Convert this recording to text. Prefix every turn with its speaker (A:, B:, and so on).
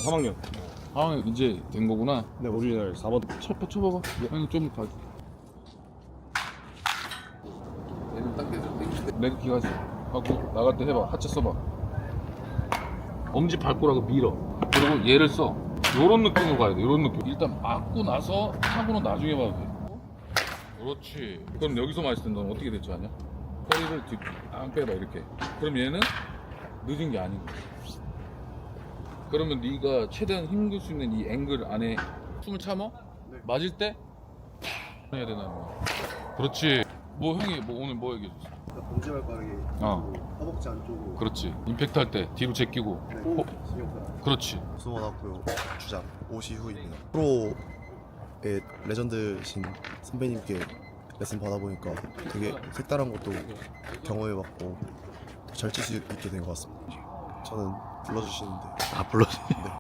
A: 3학년.
B: 아 이제 된 거구나.
A: 네, 오리지널 4번.
B: 쳐봐봐. 아니 좀 봐. 얘는 당겨서 내가 기가지 하고 나갈 때 해봐. 하체 써봐. 엄지 밟고라고 밀어. 그리고 얘를 써. 요런 느낌으로 가야 돼. 요런 느낌. 일단 맞고 나서 타고는 나중에 봐도 돼. 그렇지. 그럼 여기서 맞을 때 넌 어떻게 될 줄 아냐? 허리를 안 빼봐 이렇게. 그럼 얘는 늦은 게 아닌 거야. 그러면 네가 최대한 힘줄 수 있는 이 앵글 안에 숨을 참어?
A: 네.
B: 맞을 때 해야 되나 뭐. 그렇지. 뭐 형이 뭐 오늘 뭐 얘기해줬어?
A: 엄지발가락이 허벅지 안쪽으로.
B: 그렇지. 임팩트 할 때 뒤로 제끼고.
A: 네,
B: 호.
A: 신경쓰라.
B: 그렇지.
C: 수원학교 주장 오시후입니다. 프로의 레전드신 선배님께 레슨 받아보니까 되게 색다른 것도 경험해봤고 더 잘 칠 수 있게 된 것 같습니다. 저는 불러주시는데
B: 아 불러지.